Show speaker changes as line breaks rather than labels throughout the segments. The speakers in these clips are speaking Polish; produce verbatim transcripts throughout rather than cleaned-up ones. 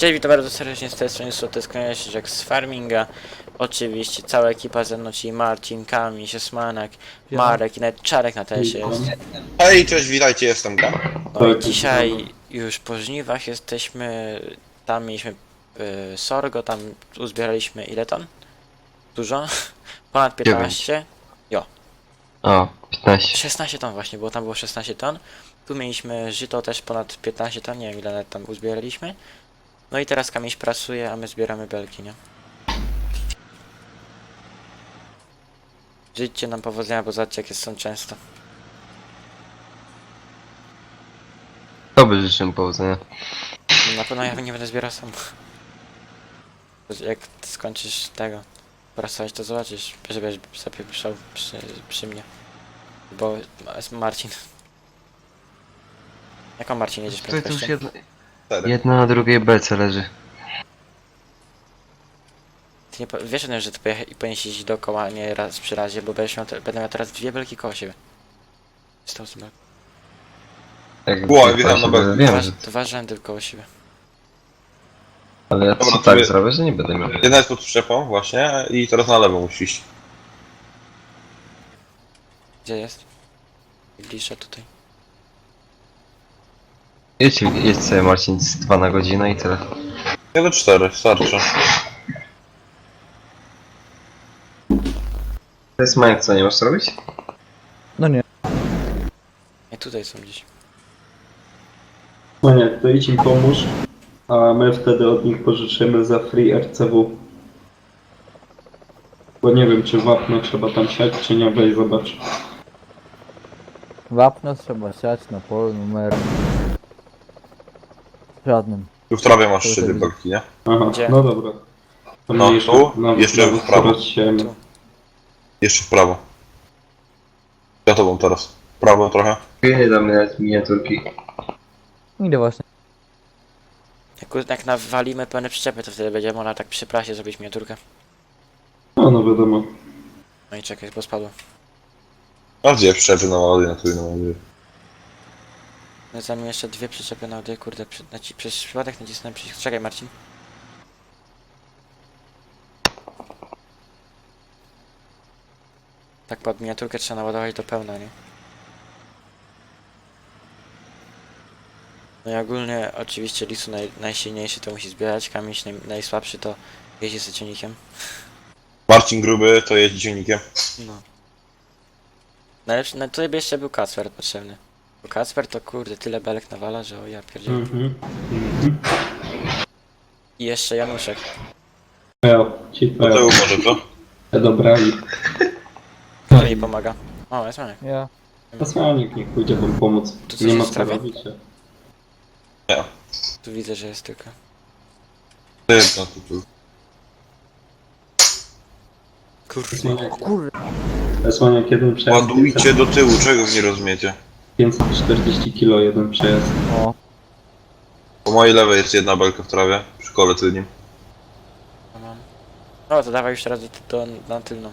Cześć, witam bardzo serdecznie z tej strony Słoteskoniarz Jack z Farminga. Oczywiście cała ekipa ze mną, czyli Marcin, Kamil, Siesmanek, Marek i nawet Czarek na tesie jest.
Hej, cześć, witajcie, jestem Gam.
No i dzisiaj już po żniwach jesteśmy, tam mieliśmy y, sorgo, tam uzbieraliśmy ile ton? Dużo? Ponad piętnaście?
O, piętnaście.
szesnaście ton właśnie, bo tam było szesnaście ton. Tu mieliśmy żyto też ponad piętnaście ton, nie wiem ile nawet tam uzbieraliśmy. No i teraz Kamiś pracuje, a my zbieramy belki, nie? Życzcie nam powodzenia, bo zobaczcie jakie są często.
Tobie życzę powodzenia.
Na pewno ja nie będę zbierał sam. Jak skończysz tego pracować, to zobaczysz, żebyś sobie przyszedł przy, przy mnie. Bo jest Marcin. Jaką Marcin jedziesz
To jest już
prędkością?
jedna,
Cztery.
jedna na drugiej belce leży.
Ty nie po, wiesz o tym, że ty pojecha- powinieneś jeździć dookoła, a nie raz przy razie, bo będziesz miał te, będę miał teraz dwie belki koło siebie. Stał sobie.
Jak
Ło,
jak
wjechałem na
właśnie
belkę.
Wiem,
Dwa,
że...
dwa rzędy koło siebie.
Ale ja
Dobra,
to
to
tak
wie-
zrobię, że nie będę miał.
Jedna jest pod przyczepą właśnie i teraz na lewo musisz iść.
Gdzie jest? Bliżej tutaj.
Jedź, jedź sobie Marcin z dwa na godzinę i tyle.
Ja do cztery, starczy.
To jest Majek, co nie możesz robić?
Nie, tutaj są gdzieś.
No nie, to idź im pomóż, a my wtedy od nich pożyczymy za free R C W. Bo nie wiem, czy wapno trzeba tam siać, czy nie, weź zobacz.
Wapno trzeba siać na polu numer żadnym.
Tu w trawie masz
To
trzy
jest-
belki, nie?
Aha,
Gdzie?
no dobra. To
No,
mniejsza,
tu,
na-
jeszcze
na
w prawo.
skoro siejemy.
Tu.
Jeszcze w prawo. Za tobą teraz. W prawo trochę.
Nie dam nawet miniaturki.
Idę właśnie.
Jak, jak nawalimy pełne przyczepy, to wtedy będzie można tak przy prasie zrobić miniaturkę.
No, no wiadomo.
No i czekaj, bo spadło.
A gdzie przyczepy na ładuję, na której na ładuję?
Zanim jeszcze dwie przyczepy na ody, kurde, przy, naci, przez przypadek nacisnąłem przycisk. Czekaj, Marcin. Tak pod miniaturkę trzeba naładować do pełna, nie? No i ogólnie oczywiście lisu naj, najsilniejszy to musi zbierać, Kamiś naj, najsłabszy to jeździ z ciągnikiem.
Marcin Gruby to jeździ ciągnikiem.
No. Najlepszy, no tutaj by jeszcze był Kacper potrzebny. Bo Kacper to kurde tyle belek nawala, że o ja pierdzielę.
Mhm. Mhm.
I jeszcze Januszek.
Ja, ci
Do tyłu może, co?
te dobrali.
Kto mi pomaga? O, jest Manek.
Ja.
Posłannik niech pójdzie wam pomóc.
Tu coś
Nie ma
jest w
co
trawie?
robić.
Tu widzę, że jest tylko.
To jedno tu, tu.
Kurde.
Kurde.
Posłaniak jeden przejazd.
Ładujcie do tyłu, czego wy nie rozumiecie?
pięćset czterdzieści kilo jeden przejazd.
O.
Po mojej lewej jest jedna belka w trawie, przy kole tylnym.
No mam. No to dawaj już teraz do, do, na tylną.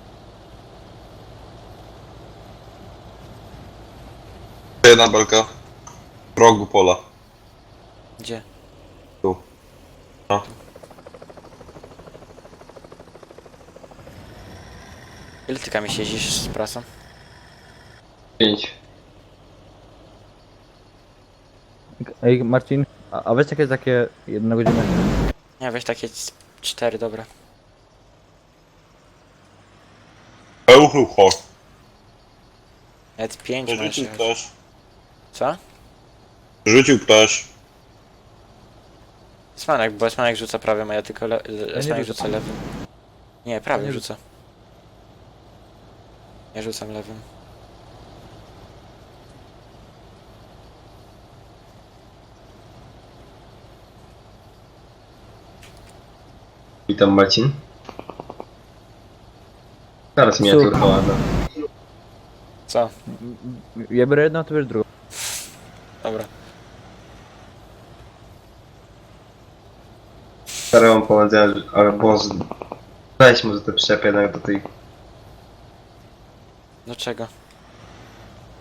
Jedna belka. W rogu pola.
Gdzie?
Tu. No.
Ile ty Kamiś jeździsz z prasą?
Pięć.
Ej Marcin, a, a weź jakieś takie jedna godzina.
Nie, weź takie c- cztery, dobra.
Euchucho.
Nawet pięć możesz
Rzucił
jechać.
ktoś.
Co?
Rzucił ktoś.
Smanek, bo Smanek rzuca prawym, a ja tylko le le Smanek
rzucam.
rzuca lewym. Nie, prawym
nie
rzuca. Ja rzucam lewym.
Witam Marcin. Teraz miniaturka ładna.
Co?
Ja biorę jedną, ty bierzesz drugą.
Dobra.
Stary mam powodzenia, albo z... Weź może te przyczepy jednak do tej...
Do czego?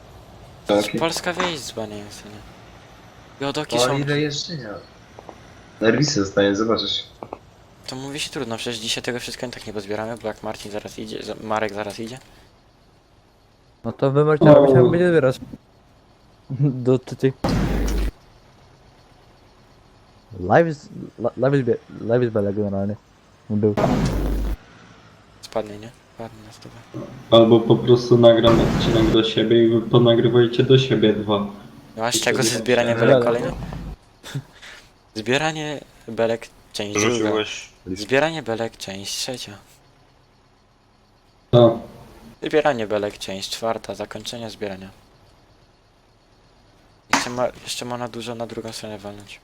Okay.
Polska wieś dzba nie jest, nie? Jodoki
O
są...
ile jeżdżenia. Nerwisy zostanie, zobaczysz.
To mówi się trudno, przecież dzisiaj tego wszystkiego i tak nie pozbieramy, bo jak Marcin zaraz idzie, za- Marek zaraz idzie.
No to wy możecie robić, jak będzie zbierać. Do ty, ty. Live jest, li- live jest, bie- live jest bele generalnie. Był.
Spadnie, nie? Spadnie na stówę.
Albo po prostu nagram odcinek do siebie i wy ponagrywajcie do siebie dwa.
No a z czego ze
wtedy
zbierania
będzie-
belek kolejny? Zbieranie belek, część druga.
Rzuciłeś list.
Zbieranie belek, część trzecia.
Tak.
Zbieranie belek, część czwarta, zakończenie zbierania. Jeszcze ma, jeszcze ma na dużo na drugą stronę walnąć.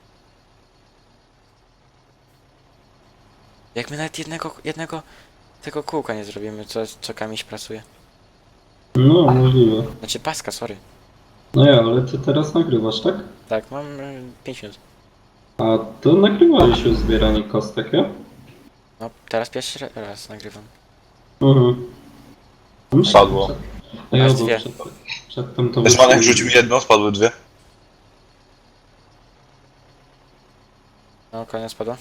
Jak my nawet jednego, jednego tego kółka nie zrobimy, co, co Kamiś pracuje.
No, możliwe.
Znaczy paska, sorry.
No ja, ale ty teraz nagrywasz, tak?
Tak, mam pięć minut.
A to nagrywałeś już zbieranie kostek, ja?
No, teraz pierwszy ra- raz nagrywam.
Mhm.
Spadło.
A ja
Masz
bo
dwie.
przed, przedtem to
Esmanek
wyszło-
rzucił jedno, spadły dwie.
No, koniec spadła.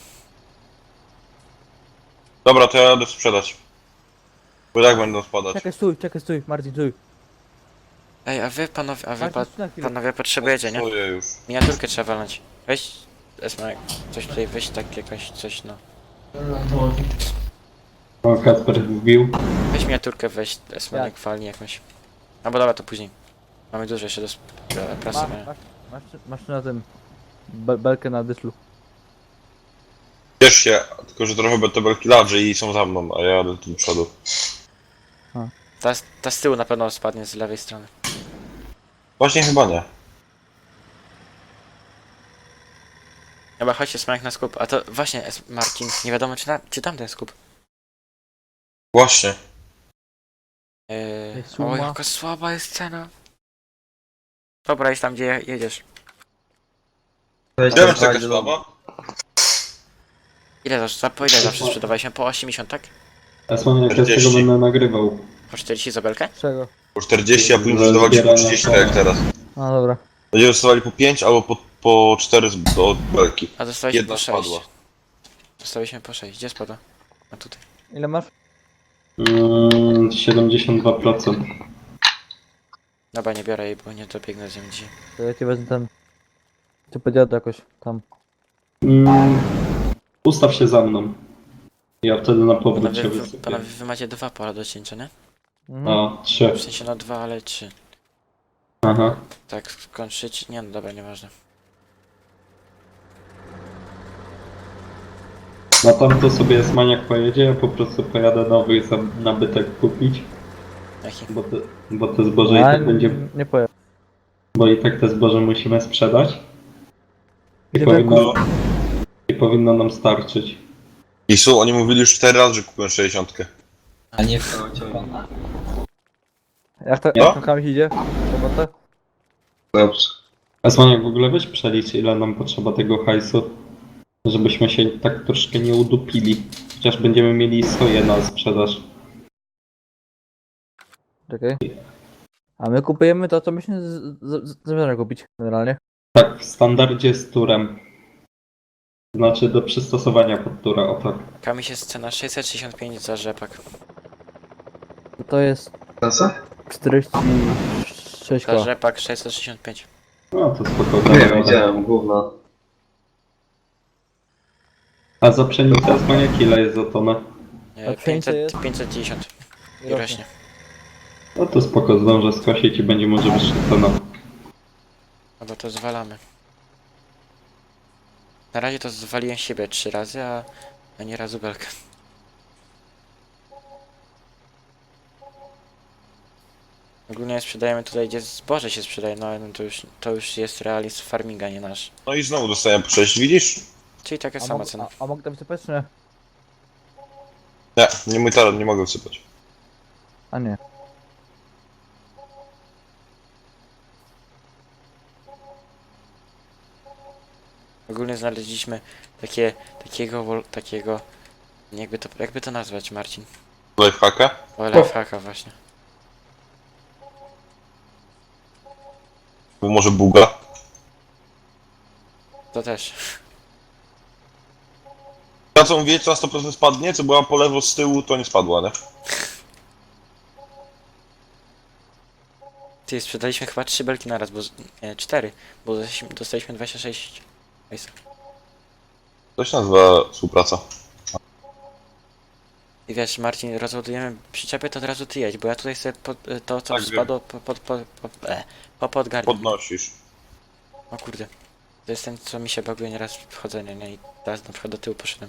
Dobra, to ja jadę sprzedać. Bo i tak będą spadać.
Czekaj, stój, czekaj, stój, Marcin, stój.
Ej, a wy panowie, a wy
Marcin,
pa,
stój na chwilę.
panowie potrzebujecie, nie?
Stoję już.
Miniaturkę trzeba walnąć. Weź, Esmanek, coś tutaj, weź tak jakoś, coś no.
O, Kacper wbił.
Weź miniaturkę, weź Esmanek, walnij jakąś. No bo dobra, to później. Mamy dużo jeszcze do sp- do
Masz,
prasowania.
masz, masz, masz tu na tym be, belkę na dyslu.
Ciesz się, tylko że trochę te belki ladrzy i są za mną, a ja jadę tu do przodu.
Ta, z- ta z tyłu na pewno spadnie z lewej strony.
Właśnie chyba nie.
Chyba chodźcie Esmanek na skup. A to właśnie, Es- Marcin, nie wiadomo czy, na, czy tam ten skup.
Właśnie.
Eee,
Jest suma.
o, jaka słaba jest cena. Dobra, jest tam gdzie je- jedziesz.
Weź
Nie wiem,
tam
czy taka
fajnie,
słaba.
Ile zawsze, za, po ile zawsze sprzedawaliśmy? Po osiemdziesiąt, tak?
Esman, jak ja z tego
czterdzieści.
będę nagrywał.
Po czterdzieści za belkę?
Czego?
Po czterdzieści, a później
Za
sprzedawaliśmy po
zbieranie
trzydzieści, tak jak teraz.
A dobra.
Będziemy sprzedawali po pięć albo po, po cztery z, do belki.
A dostaliśmy
Jedna
po sześć.
spadła.
Dostaliśmy po sześć. Gdzie spadła? A tutaj.
Ile masz?
Mm, siedemdziesiąt dwa procent.
Dobra, nie biorę jej, bo nie dobiegnę z nią dzisiaj.
To ja ci wezmę ten... Ty podjadę jakoś tam.
Mm, ustaw się za mną. Ja wtedy na powrót
Panowie,
się
wy,
wysypię.
panowie, wy macie dwa pola do cięcia, nie?
Mhm.
A, trzy.
W sensie no dwa, ale trzy.
Aha.
Tak, skończyć? Nie, no dobra, nieważne.
No tam to sobie Esmaniak pojedzie, ja po prostu pojadę nowy za nabytek kupić.
Jaki?
Bo te, bo te zboże i
A,
tak będzie...
nie powiem.
Bo i tak te zboże musimy sprzedać. I
Nie
powinno, I powinno nam starczyć.
I su, oni mówili już cztery razy, że kupiłem sześćdziesiątkę.
A nie w ciągu.
Jak to,
No.
jak to Kamiś idzie? Robotę?
Dobrze.
Esmaniak, w ogóle weź przelicz, ile nam potrzeba tego hajsu. Żebyśmy się tak troszkę nie udupili. Chociaż będziemy mieli soję na sprzedaż.
Czekaj. A my kupujemy to, co myśmy z- z- z- zamierzamy kupić generalnie.
Tak, w standardzie z turem. Znaczy do przystosowania pod tura, o tak.
Kamiś jest cena sześćset sześćdziesiąt pięć za rzepak.
To jest
To co?
czterdzieści sześć
Za
koła.
rzepak sześćset sześćdziesiąt pięć.
No to spoko.
Nie
damy radę.
widziałem, gówno.
A za pszenicę Esmaniak ile jest za tonę?
E,
A pszenica
pięćset,
jest?
pięćset dziesiąt. I
rośnie.
rośnie.
No to spoko, zdążę skosić i będzie może wyższa cena.
No bo to zwalamy. Na razie to zwaliłem siebie trzy razy, a, a nie razu belkę. Ogólnie sprzedajemy tutaj, gdzie zboże się sprzedaje, no ale no to już, to już jest realizm farminga, nie nasz.
No i znowu dostałem po sześć, widzisz?
Czyli taka
A,
sama
mog,
cena.
a, a mogę to wysypać czy nie?
Nie, nie mój talent, nie mogę wsypać.
A nie.
Ogólnie znaleźliśmy takie, takiego, wol- takiego, jakby to, jakby to nazwać, Marcin?
Lifehacka?
O, lifehacka właśnie.
Bo może buga?
To też.
Ta co mówię, co na sto procent spadnie, co była po lewo z tyłu, to nie spadła, nie?
Ty, sprzedaliśmy chyba trzy belki naraz, bo... z- Nie, cztery, bo dostaliśmy, dostaliśmy dwadzieścia sześć. Hajsu.
To się nazywa współpraca.
I wiesz, Marcin, rozładujemy przyczepy, to od razu ty jedź, bo ja tutaj sobie pod, to, co
Tak, wiem.
spadło po, pod, po, po, e, po podgarniam.
Podnosisz.
O kurde. To jest ten, co mi się baguje nieraz wchodzenie, nie? I teraz na przykład do tyłu poszedłem.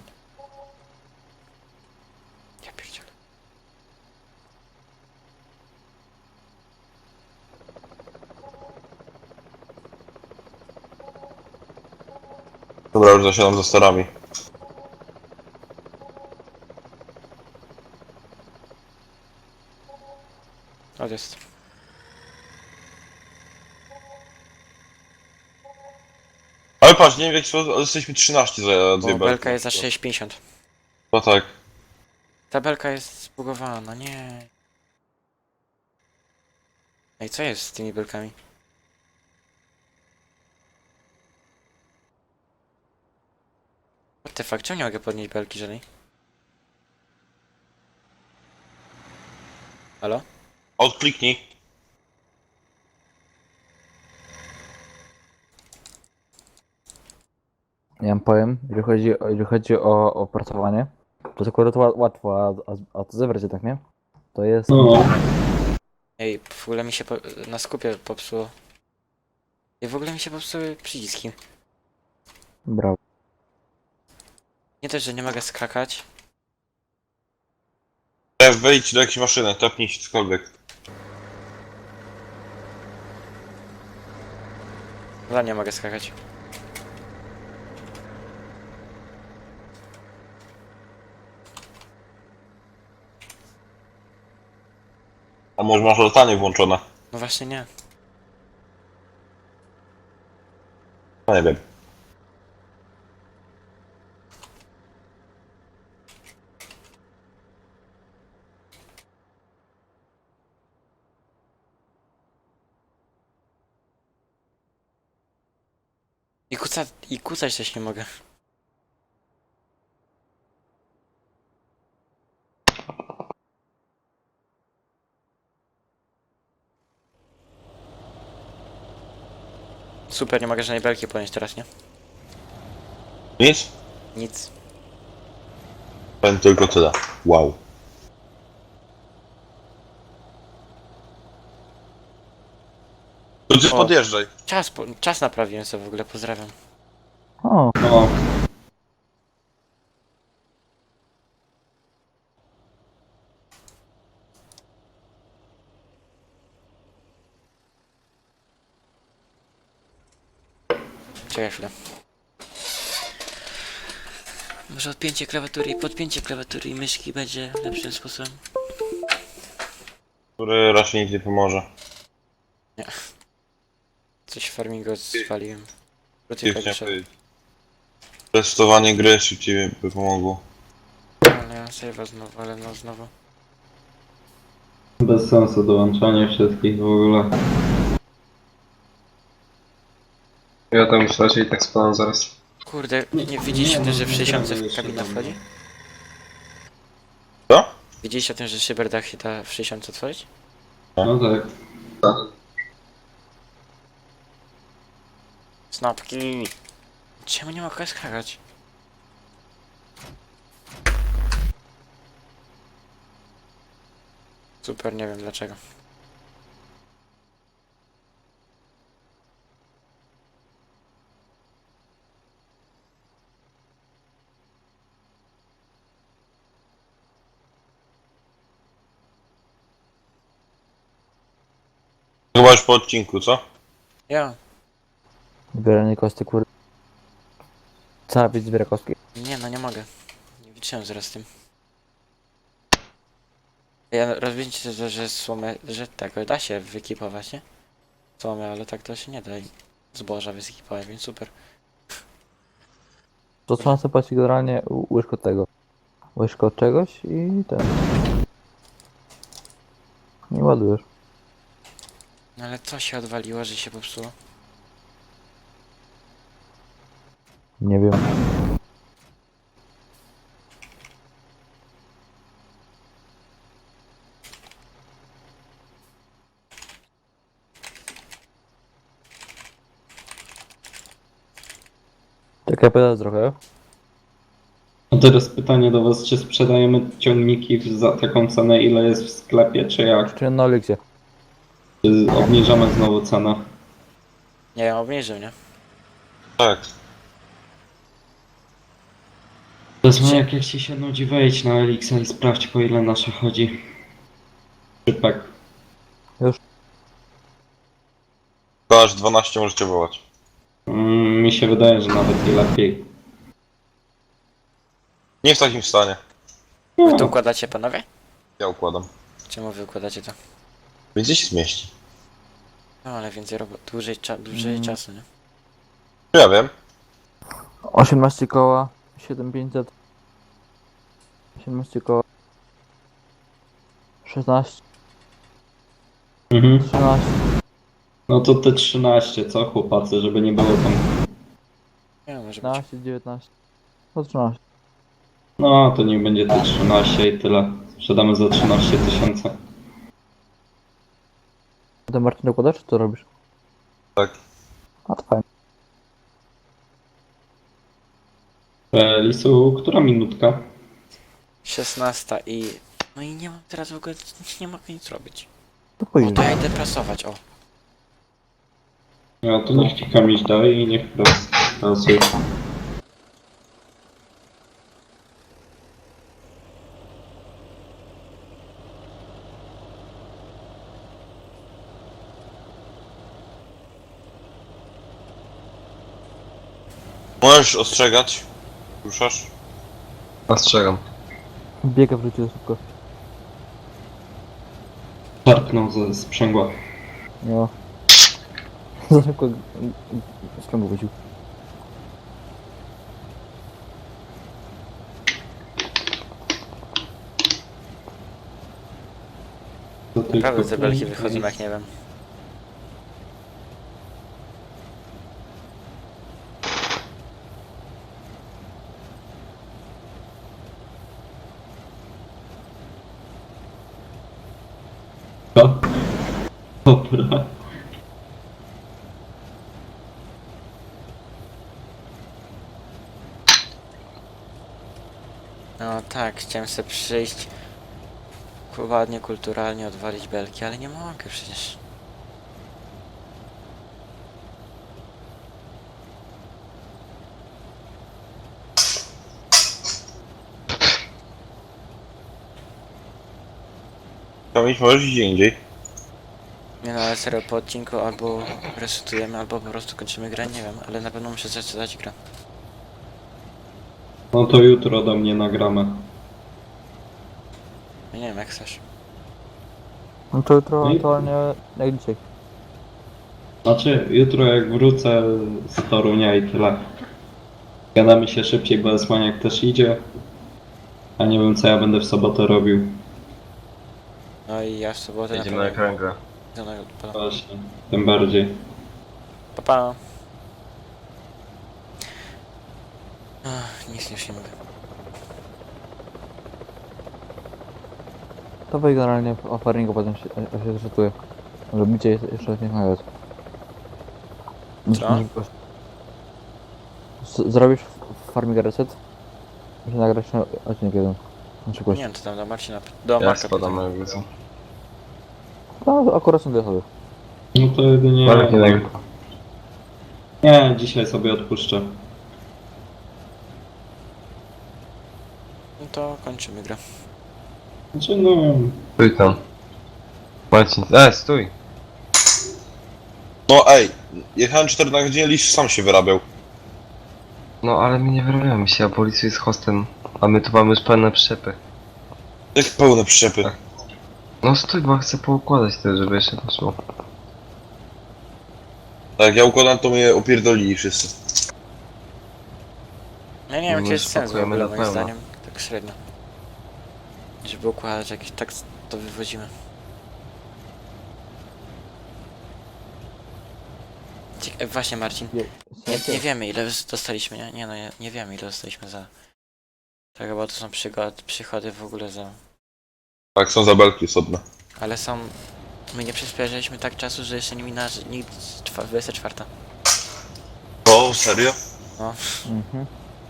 Ja pierdzielę.
Dobra, już zasiadam za starami.
O, jest.
Ale patrz, nie wiem w jaki sposób, ale jesteśmy trzynaście za dwie
Bo
belki.
belka jest za sześć pięćdziesiąt.
No tak.
Ta belka jest zbugowana, nie. Ej, co jest z tymi belkami? What the fuck, czemu nie mogę podnieść belki żadnej? Halo?
Odkliknij.
Ja wam powiem, jeżeli chodzi, o- jeżeli chodzi o opracowanie, to jest akurat ła- łatwo, a, a, a to zebrać tak, nie? To jest...
No,
Ej, w ogóle mi się po, na skupie popsuło. I w ogóle mi się popsuły przyciski.
Brawo.
Nie też, że nie mogę skakać.
E, Wejdź do jakiejś maszyny, tapnij się cokolwiek.
Dla nie mogę skakać.
A może masz latanie włączone?
No właśnie nie.
No nie wiem.
I kuca, i kucać też nie mogę. Super, nie mogę żadnej belki ponieść teraz, nie?
Nic?
Nic.
Powiem tylko tyle. Wow. To ty
O.
podjeżdżaj.
Czas, po, czas naprawiłem sobie w ogóle, pozdrawiam.
O,
no.
Czekaj chwilę. Może odpięcie klawiatury i podpięcie klawiatury i myszki będzie lepszym sposobem.
Który raczej nic nie pomoże.
Coś w farmingu zwaliłem.
Ty
Krócej
chciałem
klawiszowy.
powiedzieć. Testowanie gry szybciej by pomogło.
Ale ja save'a znowu, ale no znowu.
Bez sensu dołączanie wszystkich w ogóle.
Ja tam już raczej tak spadam zaraz.
Kurde, nie widzieliście o tym, że w sześćdziesiąt w kabina wchodzi?
Co?
Widzieliście o tym, że szyberdach się da w sześćdziesiąt otworzyć?
No tak.
Snapki! Czemu nie mogę skakać? Super, nie wiem dlaczego.
Chyba już po odcinku, co?
Ja.
zbieranie kostek, kurde. Cała widz zbiera kostki.
Nie no, nie mogę. Nie wytrzymam zaraz z tym. Ja rozumiem, że, że słomę, że tego da się wyekipować, nie? Słomę, ale tak to się nie da. I zboża wyekipować, więc super.
To trzeba sobie płacić generalnie ł- łyżko tego. Łyżko czegoś i ten. Nie ładujesz.
No ale co się odwaliło, że się popsuło?
Nie wiem. Czekaj, pytać trochę.
A teraz pytanie do was, czy sprzedajemy ciągniki w- za taką cenę, ile jest w sklepie, czy jak?
Czy na Oliksie?
Czy obniżamy znowu cenę?
Nie wiem, obniżył, nie?
Tak.
Desmajak, jak ci się nudzi, wejdź na Elixa i sprawdź, po ile nasza chodzi. Szybek.
To aż dwanaście możecie wołać.
Mm, mi się wydaje, że nawet i lepiej.
Nie w takim stanie.
Wy to układacie, panowie?
Ja układam.
Czemu wy układacie to?
Więcej się zmieści.
No ale więcej robo... dłużej, cza... dłużej
Mm.
czasu, nie?
Ja wiem.
osiemnaście koła, siedem tysięcy pięćset. osiemnaście koła. szesnaście,
Mhm.
trzynaście.
No to te trzynaście, co chłopacy, żeby nie było tam...
Nie wiem, może być.
piętnaście, dziewiętnaście. No trzynaście.
No to niech będzie te trzynaście i tyle. Sprzedamy za trzynaście tysięcy.
Ty Marcin dokładasz, czy co robisz?
Tak.
A to fajnie.
E, Lisu, która minutka?
szesnasta i... No i nie mam teraz w ogóle... nie mogę nic robić.
To
O,
później.
to ja idę prasować, o.
Ja to niech ci kamiś daje i niech pras- prasuje.
Możesz ostrzegać. Ruszasz?
Ostrzegam.
Biega w życiu szybko.
Szarpnął ze sprzęgła.
No. Za szybko sprzęgło wycił.
To tylko
Naprawdę te belki
pięć.
wychodzą jak nie wiem.
Co? Dobra.
No tak, chciałem sobie przyjść... ładnie, kulturalnie odwalić belki, ale nie mogę przecież.
Kamiś możesz iść gdzie indziej.
Nie no, ale serio, po odcinku albo resetujemy, albo po prostu kończymy grę, nie wiem, ale na pewno muszę zresetować grę.
No to jutro do mnie nagramy.
Ja nie wiem, jak chcesz.
No to jutro
No i-
aktualnie jak dzisiaj.
Znaczy, jutro jak wrócę z Torunia i tyle. Gadamy się szybciej, bo Esmaniak też idzie. A nie wiem, co ja będę w sobotę robił.
No i ja w sobotę
Jedziemy na
na pewno...
kręgę.
idę na odpalam.
Właśnie, tym bardziej.
Pa, pa. Ach, nic już nie mówię.
To wej generalnie o faringu potem się, się zrzutuje. Może bicie jest- jeszcze nie nagrać.
Co?
Z- Zrobisz w farming reset? Muszę nagrać na odcinek jeden. Na przykład.
Nie wiem, co tam do Marcina... do
Ja
Marka
spadam
pytam.
na ulicę.
No akurat są dwie osoby.
No to jedynie...
Marek nie nagrywa.
Nie, dzisiaj sobie odpuszczę.
No to kończymy grę.
Znaczy no...
Stój tam. Marcin, e, stój!
No ej, jechałem cztery na godzinę, liść sam się wyrabiał.
No ale my nie wyrabiamy się, a policja jest hostem. A my tu mamy już pełne przyczepy.
Jak pełne przyczepy.
No stój, bo chcę poukładać to, żeby jeszcze poszło.
Tak, jak ja układam, to mnie opierdolili wszyscy.
Ja nie wiem,
My
jaki jest sens w
spakujemy
ogóle,
na
moim
pełno.
zdaniem. Tak średnio. Żeby układać jakieś... tak to wywodzimy. Ciek- e, właśnie, Marcin.
Je-
Nie, nie wiemy, ile dostaliśmy, nie? Nie no, nie, nie wiemy, ile dostaliśmy za... Tak, chyba to są przygody, przychody w ogóle za...
Tak, są zabelki osobne.
Ale są... My nie przyspieszyliśmy tak czasu, że jeszcze nie minęła nigdy dwudziesta czwarta.
O, serio?
No.
Mhm.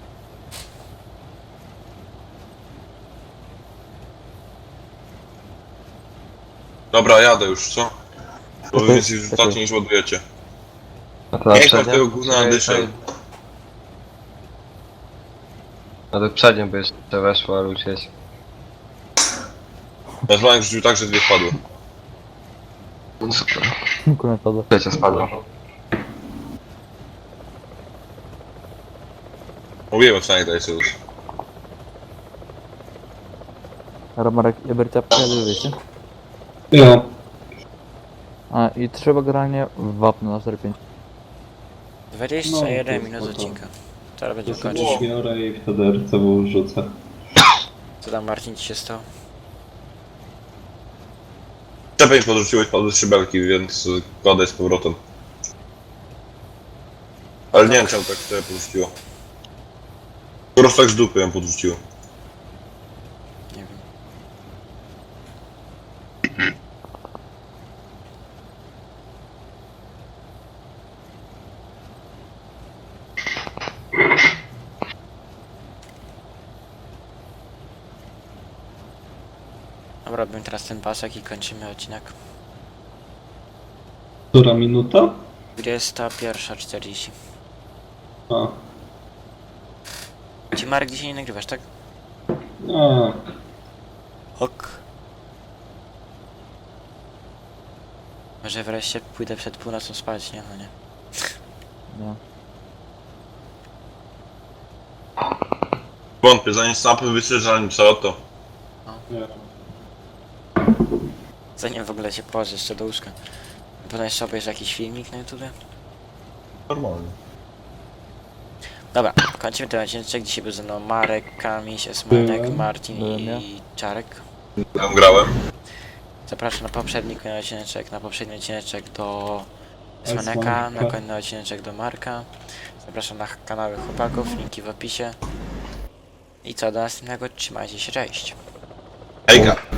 Dobra, jadę już, co? Bo wy
Okej,
więcej rzucacie
okej.
niż ładujecie.
A to na
Niech pan
przednią?
tego gówna
Czekaj,
nadyszaj.
czekaj. No to przednią by jeszcze weszło, ale ucieć.
Nazwałem rzucił tak, że dwie wpadły.
No super.
Kurwa, to
Trzecia spadła.
Mówiłem, co nie daje sobie.
Marek, Ebercia pojadę, wiecie?
Ja.
A, i trzeba generalnie wapno na cztery pięć.
dwadzieścia jeden
No,
minut
to spoko.
odcinka. Teraz
To
będziemy
sobie
kończyć.
biorę i wtedy R C W rzucę.
Co tam, Marcin, ci się stało?
Czepę mi podrzuciłeś padły z szybelki, więc kładę z powrotem. Ale nie wiem czemu tak to podrzuciło. Po prostu tak z dupy ją podrzuciło.
Nie wiem. Dobra, robimy teraz ten pasek i kończymy odcinek.
Która minuta?
dwudziesta pierwsza czterdzieści.
A.
Ci, Marek, dzisiaj nie nagrywasz, tak?
A.
Ok. Może wreszcie pójdę przed północą spać, nie? No nie.
Nie.
Wątpię, zanim snapy wysyć, zanim co to.
Nie.
Zanim w ogóle się położę jeszcze do łóżka. Potem jeszcze obejrzę jakiś filmik na YouTube.
Normalnie.
Dobra, kończymy ten odcinek. Dzisiaj był ze mną Marek, Kamiś, Esmanek,
Byłem.
Marcin
Byłem ja.
i Czarek.
Tam grałem.
Zapraszam na poprzedni kolejny odcineczek, na poprzedni odcineczek do Esmaneka,
Esmaneka.
na kolejny odcineczek do Marka. Zapraszam na kanały chłopaków, linki w opisie. I co, do następnego, trzymajcie się, cześć.
Hejka.